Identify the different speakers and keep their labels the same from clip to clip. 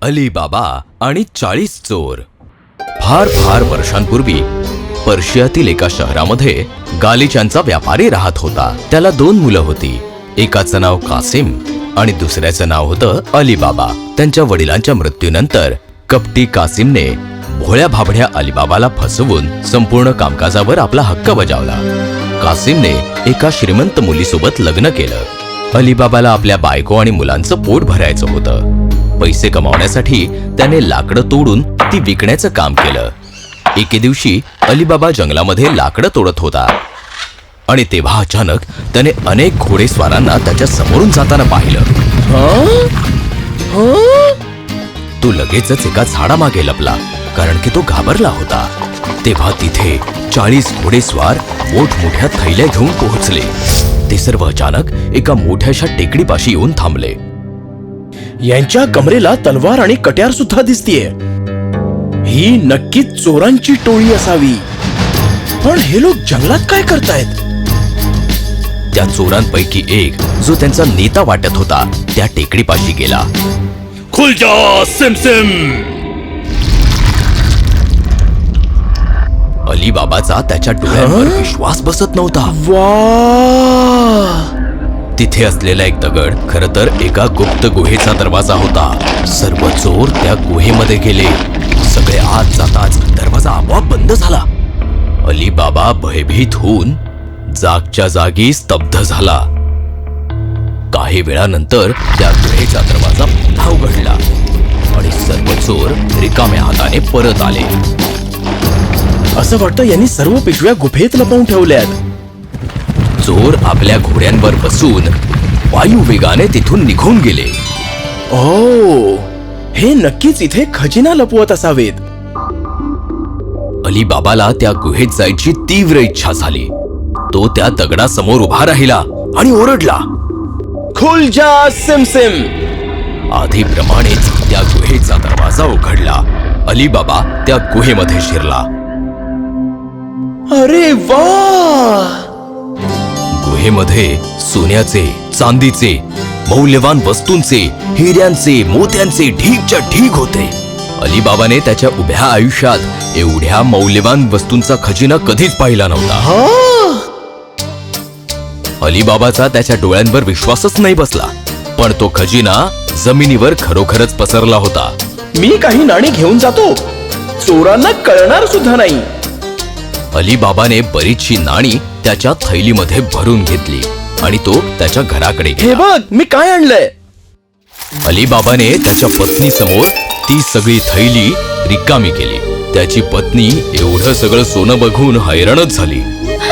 Speaker 1: अली बाबा आणि 40 चोर. फार फार वर्षांपूर्वी पर्शियातील एका शहरामध्ये गालिचांचा व्यापारी राहत होता. त्याला 2 मुलं होती. एकाचं नाव कासिम आणि दुसऱ्याचं नाव होतं अली बाबा. त्यांच्या वडिलांच्या मृत्यूनंतर कपटी कासिमने भोळ्या भाबड्या अलीबाबाला फसवून संपूर्ण कामकाजावर आपला हक्क बजावला. कासिमने एका श्रीमंत मुलीसोबत लग्न केलं. अलीबाबाला आपल्या बायको आणि मुलांचं पोट भरायचं होतं. पैसे कमावण्यासाठी त्याने लाकडं तोडून ती विकण्याचं काम केलं. एके दिवशी अलीबाबा जंगलामध्ये लाकडं तोडत होता आणि तेव्हा अचानक त्याने अनेक घोडेस्वारांना त्याच्या समोरून जाताना पाहिलं. तो लगेचच एका झाडामागे लपला, कारण की तो घाबरला होता. तेव्हा तिथे 40 घोडेस्वार मोठमोठ्या थैल्या घेऊन पोहोचले. ते सर्व अचानक एका मोठ्याशा टेकडीपाशी येऊन थांबले.
Speaker 2: यांच्या कमरेला तलवार आणि कट्यार सुद्धा दिसतीये. ही नक्कीच चोरांची टोळी असावी. पण हे लोक जंगलात काय करतायत?
Speaker 1: त्या चोरांपैकी एक, जो त्यांचा नेता वाटत होता, त्या टेकडीपाशी गेला.
Speaker 2: खुल जा सिमसिम.
Speaker 1: अलीबाबाचा त्याच्या डोळ्यांवर विश्वास बसत नव्हता.
Speaker 2: वा!
Speaker 1: तिथे असलेला एक दगड खरं तर एका गुप्त गुहेचा दरवाजा होता. सर्व चोर त्या गुहेमध्ये गेले. सगळे आत जाताच दरवाजा आपोआप बंद झाला. अलीबाबा भयभीत होऊन जागच्या जागी स्तब्ध झाला. काही वेळानंतर त्या गुहेचा दरवाजा पुन्हा उघडला आणि सर्व चोर रिकाम्या हाताने परत आले.
Speaker 2: असं वाटतं यांनी सर्व पिशव्या गुफेत लपवून ठेवल्यात.
Speaker 1: चोर आपल्या घोड्यांवर बसून वायुवेगाने तिथून निघून गेले.
Speaker 2: ओ, हे नक्कीच इथे खजिना लपवत असावेत.
Speaker 1: अलीबाबाला त्या गुहेत जायची तीव्र इच्छा झाली. तो त्या दगडासमोर उभा राहिला आणि ओरडला,
Speaker 2: खुल जा सिमसिम.
Speaker 1: आधीप्रमाणेच त्या गुहेचा दरवाजा उघडला. अलीबाबा त्या गुहेमध्ये शिरला.
Speaker 2: अरे वा!
Speaker 1: गुहेमध्ये सोन्याचे, चांदीचे, मौल्यवान वस्तूंचे, हिऱ्यांचे, मोत्यांचे ढीगच्या ढीग होते. अलीबाबाने त्याच्या उभ्या आयुष्यात एवढ्या मौल्यवान वस्तूंचा खजिना कधीच पाहिला नव्हता. अलीबाबाचा त्याच्या डोळ्यांवर विश्वासच नाही बसला. पण तो खजिना जमिनीवर खरोखरच पसरला होता.
Speaker 2: मी काही नाणी घेऊन जातो, चोरांना कळणार सुद्धा नाही.
Speaker 1: अलीबाबाने बरीचशी नाणी त्याच्या थैलीमध्ये भरून घेतली आणि तो त्याच्या घराकडे
Speaker 2: हे
Speaker 1: गेला.
Speaker 2: बघ, मी काय आणलंय.
Speaker 1: अलीबाबाने त्याच्या पत्नी समोर ती सगळी थैली रिकामी केली. त्याची पत्नी एवढं सगळं सोनं बघून हैराणच झाली.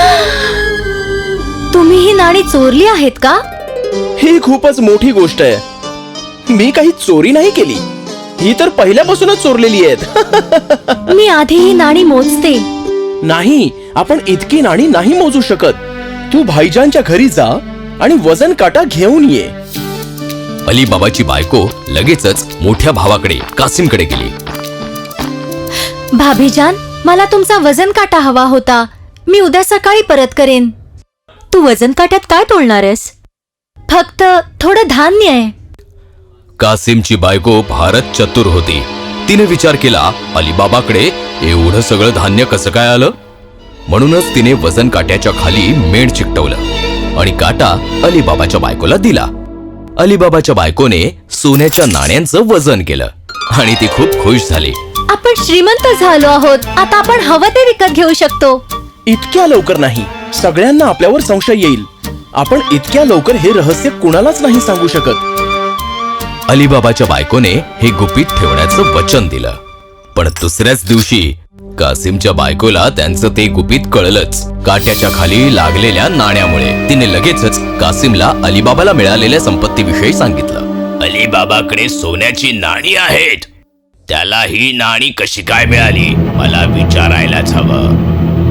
Speaker 3: तुम्ही ही नाणी चोरली आहेत का?
Speaker 2: ही खूपच मोठी गोष्ट आहे. मी काही चोरी नाही केली. ही तर पहिल्यापासूनच चोरलेली आहेत.
Speaker 3: मी आधी ही नाणी मोजते.
Speaker 2: नाही, आपण इतकी नाणी नाही मोजू शकत. तू भाईजानच्या घरी जा आणि वजन काटा घेऊन ये.
Speaker 1: अलीबाबाची बायको लगेचच मोठ्या भावाकडे कासिमकडे गेली.
Speaker 3: भाभीजान, मला तुमचा वजन काटा हवा होता. मी उद्या सकाळी परत करेन. तू वजन काट्यात काय तोलणार आहेस? फक्त थोडं धान्य आहे.
Speaker 1: कासिमची बायको फारच चतुर होती. तिने विचार केला, अलीबाबाकडे एवढं सगळं धान्य कसं काय आलं. म्हणूनच तिने वजन काट्याच्या खाली मेण चिकटवलं आणि काटा अलीबाबाच्या बायकोला दिला. अलीबाबाच्या बायकोने सोन्याच्या नाण्यांचं वजन केलं आणि ती खूप खुश झाली.
Speaker 3: आपण श्रीमंत झालो आहोत. आता आपण हवं ते विकत घेऊ शकतो.
Speaker 2: इतक्या लवकर नाही. सगळ्यांना आपल्यावर संशय येईल. आपण इतक्या लवकर हे रहस्य कुणालाच नाही सांगू शकत.
Speaker 1: अलीबाबाच्या बायकोने हे गुपित ठेवण्याचं वचन दिलं. पण दुसऱ्याच दिवशी कासिमच्या बायकोला त्यांचं ते गुपित कळलंच. काट्याच्या खाली लागलेल्या नाण्यामुळे. तिने लगेचच कासिमला अलीबाबाला मिळालेल्या संपत्तीविषयी सांगितलं. अलीबाबाकडे सोन्याची नाणी आहेत. त्याला ही नाणी कशी काय मिळाली, मला विचारायलाच हवं.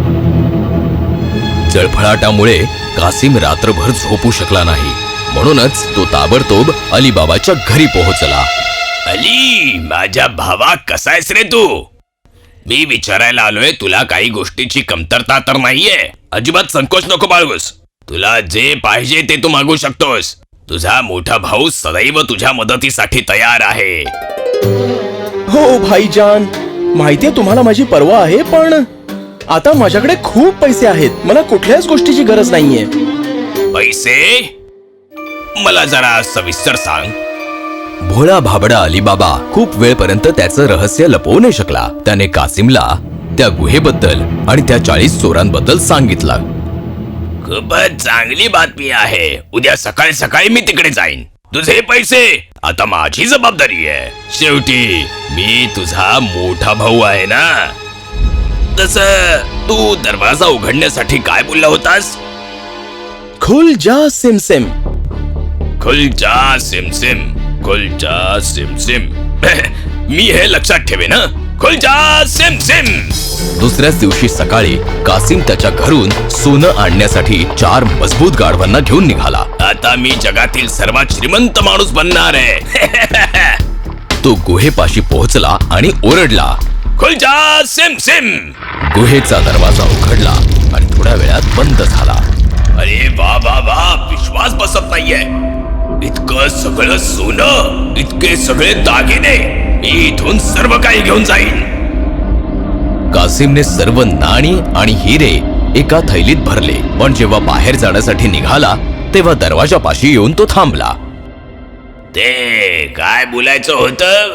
Speaker 1: जळफळाटामुळे कासिम रात्रभर झोपू शकला नाही. म्हणूनच तो ताबडतोब अलीबाबाच्या घरी पोहोचला. अली, माझ्या भावा, कसा आहेस रे तू? मी विचारायला आलोय, तुला काही गोष्टीची कमतरता तर नाहीये? अजिबात संकोच नको बाळगूस. तुला जे पाहिजे ते तू मागू शकतोस. तुझा मोठा भाऊ सदैव तुझ्या मदतीसाठी तयार आहे.
Speaker 2: हो भाईजान, माहितीये तुम्हाला माझी पर्वा आहे, पण आता माझ्याकडे खूप पैसे आहेत. मला कुठल्याच गोष्टीची गरज नाहीये.
Speaker 1: पैसे? मला जरा सविस्तर सांग. भोळा भाबडा अलीबाबा खूप वेळपर्यंत त्याचं रहस्य लपवू नाही शकला. त्याने कासिमला त्या गुहेबद्दल आणि त्या 40 चोरांबद्दल सांगितलं. खूपच चांगली बातमी आहे. उद्या सकाळी सकाळी मी तिकडे जाईन. तुझे पैसे आता माझी जबाबदारी आहे. शेवटी मी तुझा मोठा भाऊ आहे ना. तस तू दरवाजा उघडण्यासाठी काय बोलला होतास?
Speaker 2: खुल जा सिमसिम.
Speaker 1: खुलचा सिमसिम, खुलचा सिमसिम. मी हे लक्षात ठेवेन. खुलचा सिमसिम. दुसऱ्याच दिवशी सकाळी कासिम त्याच्या घरून सोनं आणण्यासाठी 4 मजबूत गाढवांना घेऊन निघाला. आता मी जगातील सर्वात श्रीमंत माणूस बनणार आहे. तो गुहेपाशी पोहोचला आणि ओरडला, खुलचा सिमसिम. गुहेचा दरवाजा उघडला आणि थोड्या वेळात बंद झाला. अरे वा वा वा, विश्वास बसत नाहीये. इतकं सगळं सोनं, इतके सगळे दागिने, मी इथून सर्व काही घेऊन जाईन. कासिमने सर्व नाणी आणि हिरे एका थैलीत भरले, पण जेव्हा बाहेर जाण्यासाठी निघाला तेव्हा दरवाजापाशी येऊन तो थांबला. ते काय बोलायचं होतं?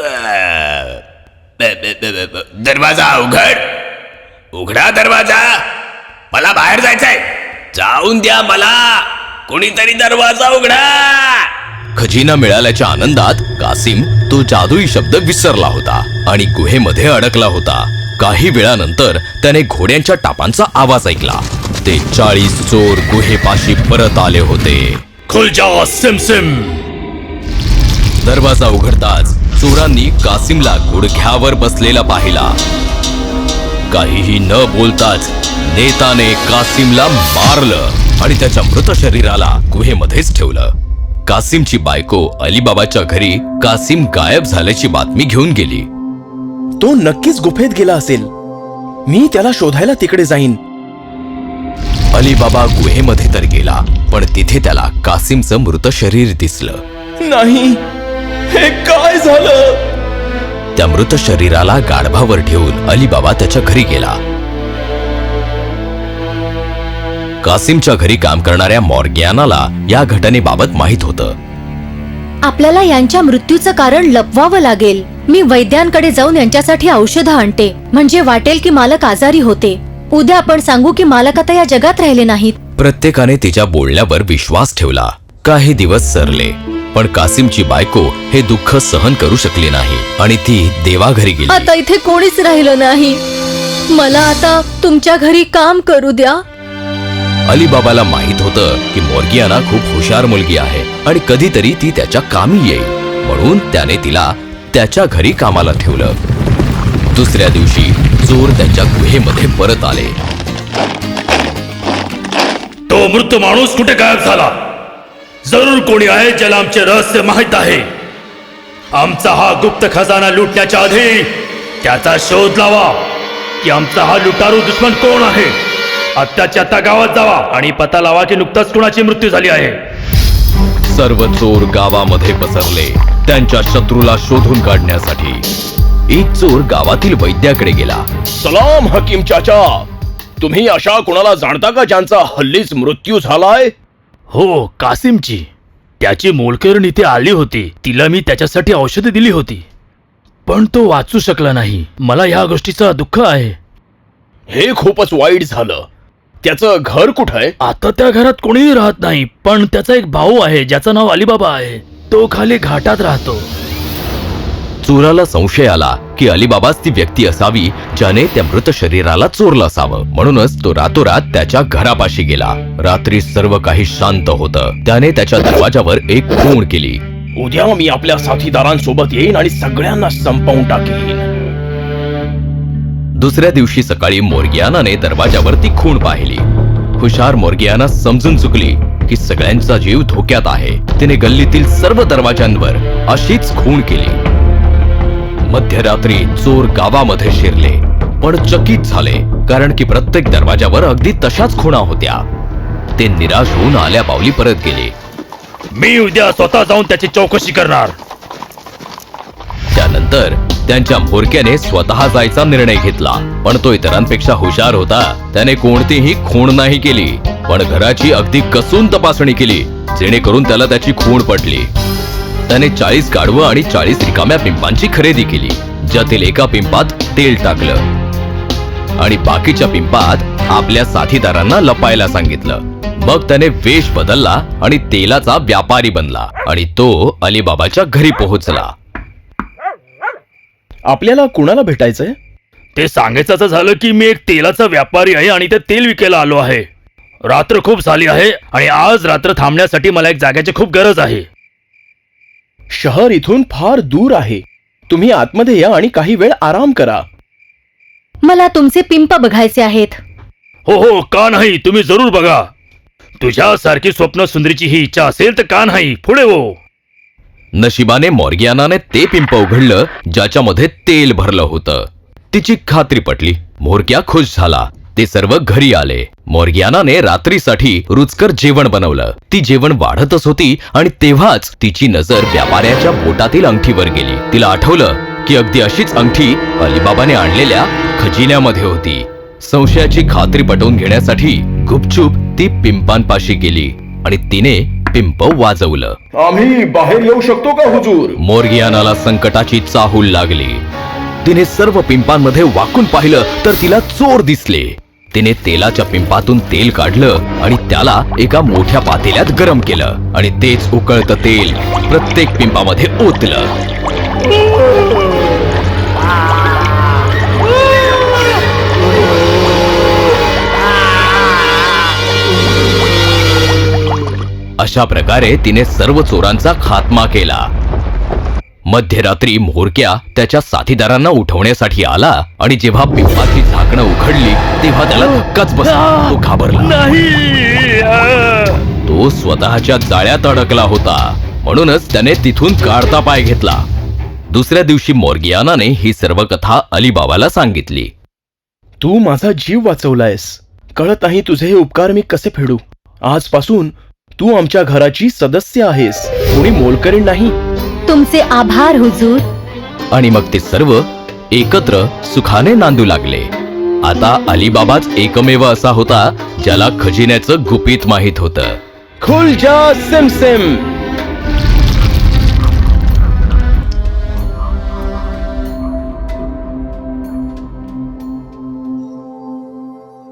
Speaker 1: दरवाजा उघड. उघडा दरवाजा. मला बाहेर जायचंय. जाऊन द्या मला. कोणीतरी दरवाजा उघडा. खजिना मिळाल्याच्या आनंदात कासिम तो जादुई शब्द विसरला होता आणि गुहेमध्ये अडकला होता. काही वेळानंतर त्याने घोड्यांच्या टापांचा आवाज ऐकला. ते 40 चोर गुहेपाशी परत आले होते. खुल जा सिमसिम. दरवाजा उघडताच चोरांनी कासिमला गुडघ्यावर बसलेला पाहिला. काहीही न बोलताच नेताने कासिमला मारलं आणि त्याच्या मृत शरीराला गुहेमध्येच ठेवलं. कासिमची बायको अलीबाबाच्या घरी कासिम गायब झाल्याची बातमी घेऊन गेली.
Speaker 2: तो नक्कीच गुफेत गेला असेल. मी त्याला शोधायला तिकडे जाईन.
Speaker 1: अलीबाबा गुहेमध्ये तर गेला, पण तिथे त्याला कासिमचं मृत शरीर दिसलं.
Speaker 2: नाही, हे काय झालं?
Speaker 1: त्या मृत शरीराला गाढवावर ठेवून अलीबाबा त्याच्या घरी गेला. कासिमच्या घरी काम करणाऱ्या मॉर्गियानाला या घटनेबाबत माहित होतं.
Speaker 3: आपल्याला यांच्या मृत्यूचं कारण लपवावं लागेल. मी वैद्यांकडे जाऊन यांच्यासाठी औषधं आणते, म्हणजे वाटेल की मालक आजारी होते. उद्या आपण सांगू की मालक आता या जगात राहिले नाहीत.
Speaker 1: प्रत्येकाने तिच्या बोलण्यावर विश्वास ठेवला. काही दिवस सरले, पण कासिमची बायको हे दुःख सहन करू शकली नाही आणि ती देवाघरी गेली.
Speaker 3: आता इथे कोणीच राहिलं नाही. मला आता तुमच्या घरी काम करू द्या.
Speaker 1: अलीबाबाला माहित होतं की मॉर्गियाना खूप हुशार मुलगी आहे आणि कधीतरी ती त्याच्या कामी येईल, म्हणून त्याने तिला त्याच्या घरी कामाला ठेवलं. दुसऱ्या दिवशी चोर त्यांच्या गुहेमध्ये परत आले.
Speaker 4: तो मृत माणूस कुठे गायब झाला? जरूर कोणी आहे ज्याला आमचे रहस्य माहित आहे. आमचा हा गुप्त खजाना लुटण्याच्या आधी त्याचा शोध लावा की आमचा हा लुटारू दुश्मन कोण आहे. आत्ताच्या आत्ता गावात जावा आणि पता लावा की नुकताच कुणाची मृत्यू झाली आहे.
Speaker 1: सर्व चोर गावामध्ये पसरले त्यांच्या शत्रूला शोधून काढण्यासाठी. एक चोर गावातील वैद्याकडे गेला.
Speaker 2: सलाम हकीम चाचा. तुम्ही अशा कोणाला जाणता का ज्यांचा हल्लीच मृत्यू झालाय?
Speaker 4: हो, कासिमची. त्याची मोलकरण इथे आली होती. तिला मी त्याच्यासाठी औषधे दिली होती, पण तो वाचू शकला नाही. मला या गोष्टीचं दुःख आहे.
Speaker 2: हे खूपच वाईट झालं. त्याचं घर कुठं आहे?
Speaker 4: आता त्या घरात कोणीही राहत नाही, पण त्याचा एक भाऊ आहे ज्याचं नाव अलीबाबा आहे. तो खाली घाटात राहतो.
Speaker 1: चोराला संशय आला की अलीबाबाच ती व्यक्ती असावी ज्याने त्या मृत शरीराला चोरलं असावं, म्हणूनच तो रातोरात त्याच्या घरापाशी गेला. रात्री सर्व काही शांत होतं. त्याने त्याच्या दरवाजावर एक खूण केली.
Speaker 2: उद्या मी आपल्या साथीदारांसोबत येईन आणि सगळ्यांना संपवून टाकेन.
Speaker 1: दुसऱ्या दिवशी सकाळी मॉर्गियानाने दरवाजावर ती खूण पाहिली. हुशार मॉर्गियाना समजून चुकली की सगळ्यांचा जीव धोक्यात आहे. तिने गल्लीतील सर्व दरवाजांवर अशीच खूण केली. मध्यरात्री चोर गावामध्ये शिरले, पण चकित झाले, कारण की प्रत्येक दरवाजावर अगदी तशाच खुणा होत्या. ते निराश होऊन आल्या पावली परत गेले.
Speaker 4: मी उद्या स्वतः जाऊन त्याची चौकशी करणार.
Speaker 1: त्यानंतर नंतर त्यांच्या म्होरक्याने स्वतः जायचा निर्णय घेतला, पण तो इतरांपेक्षा हुशार होता. त्याने कोणतीही खूण नाही केली, पण घराची अगदी कसून तपासणी केली, जेणेकरून त्याला त्याची खूण पटली. त्याने 40 गाढवं आणि 40 रिकाम्या पिंपांची खरेदी केली, ज्यातील एका पिंपात तेल टाकलं आणि बाकीच्या पिंपात आपल्या साथीदारांना लपायला सांगितलं. मग त्याने वेश बदलला आणि तेलाचा व्यापारी बनला आणि तो अलीबाबाच्या घरी पोहोचला.
Speaker 2: आपल्याला कुणाला भेटायचंय?
Speaker 4: ते सांगायचं असं झालं की मी एक तेलाचा व्यापारी आहे आणि ते तेल विकायला आलो आहे. रात्र खूप झाली आहे आणि आज रात्र थांबण्यासाठी मला एक जागेची खूप गरज आहे.
Speaker 2: शहर इथून फार दूर आहे. तुम्ही आतमध्ये या आणि काही वेळ आराम करा.
Speaker 3: मला तुमचे पिंप बघायचे आहेत.
Speaker 4: हो हो, का नाही, तुम्ही जरूर बघा. तुझ्यासारखी स्वप्न सुंदरीची ही इच्छा असेल तर का नाही, पुढे हो.
Speaker 1: नशिबाने मॉर्गियानाने ते पिंप उघडलं ज्याच्यामध्ये तेल भरलं होतं. तिची खात्री पटली. म्होरक्या खुश झाला. ते सर्व घरी आले. मॉर्गियानाने रात्रीसाठी रुचकर जेवण बनवलं. ती जेवण वाढतच होती आणि तेव्हाच तिची नजर व्यापाऱ्याच्या बोटातील अंगठीवर गेली. तिला आठवलं की अगदी अशीच अंगठी अलीबाबाने आणलेल्या खजिन्यामध्ये होती. संशयाची खात्री पटवून घेण्यासाठी गुपचूप ती पिंपांपाशी गेली आणि तिने पिंप वाजवलं.
Speaker 2: आम्ही बाहेर येऊ शकतो का हुजूर?
Speaker 1: मॉर्गियानाला संकटाची चाहूल लागली. तिने सर्व पिंपांमध्ये वाकून पाहिलं तर तिला चोर दिसले. तिने तेलाच्या पिंपातून तेल काढलं आणि त्याला एका मोठ्या पातेल्यात गरम केलं आणि तेच उकळतं तेल प्रत्येक पिंपामध्ये ओतलं. अशा प्रकारे तिने सर्व चोरांचा खात्मा केला. मध्यरात्री म्होरक्या त्याच्या साथीदारांना उठवण्यासाठी आला आणि जेव्हा पिंपाची झाकणं उघडली तेव्हा त्याला धक्काच बसला. तो घाबरला.
Speaker 4: नाही.
Speaker 1: तो स्वतःच्या जाळ्यात अडकला होता, म्हणूनच त्याने तिथून काढता पाय घेतला. दुसऱ्या दिवशी मॉर्गियानाने ही सर्व कथा अलीबाबाला सांगितली.
Speaker 2: तू माझा जीव वाचवलायस. कळत नाही तुझे हे उपकार मी कसे फेडू. आजपासून तू आमच्या घराची सदस्य आहेस, कोणी मोलकरीण नाही.
Speaker 3: तुमचे आभार हुजूर.
Speaker 1: आणि मग ते सर्व एकत्र सुखाने नांदू लागले. आता अलीबाबाच एकमेव असा होता ज्याला खजिन्याचं गुपित माहित होतं.
Speaker 2: खुल जा सिमसिम.